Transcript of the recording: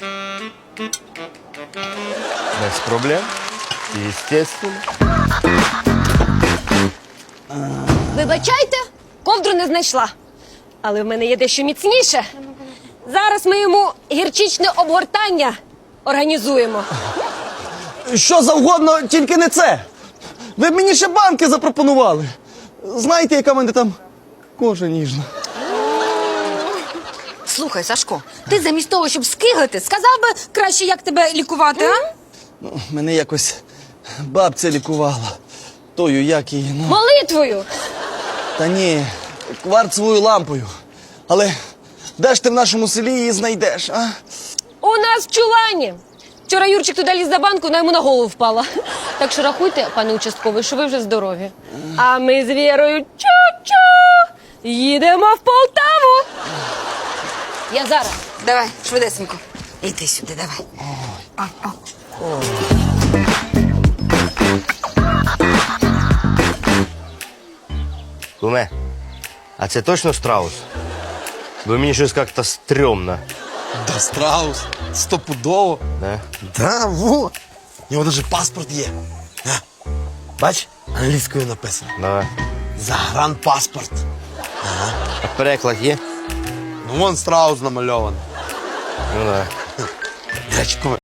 Без проблем. Естественно. Вибачайте, ковдру не знайшла. Але в мене є дещо міцніше. Зараз ми йому гірчичне обгортання організуємо. Що завгодно, тільки не це. Ви б мені ще банки запропонували. Знаєте, яка в мене там кожа ніжна. Слухай, Сашко, ти замість того, щоб скиглити, сказав би краще, як тебе лікувати, а? Мене якось бабця лікувала. Тою, як її, ну... Молитвою! Та ні, кварцевою лампою. Але де ж ти в нашому селі її знайдеш, а? У нас в чулані. Вчора Юрчик туди ліз за банку, вона йому на голову впала. Так що рахуйте, пане участковий, що ви вже здорові. А ми з Вірою чу-чу їдемо в Полтаву. Я зараз. Давай, швидесенько. Іди сюди, давай. Куме, а це точно страус? Бо мені щось як-то стрьомно. Да, страус. Стопудово. Да? Да, во. У нього навіть паспорт є. На. Бач, англійською написано. Давай. Загранпаспорт. А переклад є? Ну, вон страус намальований. Ну да. До речі, куме,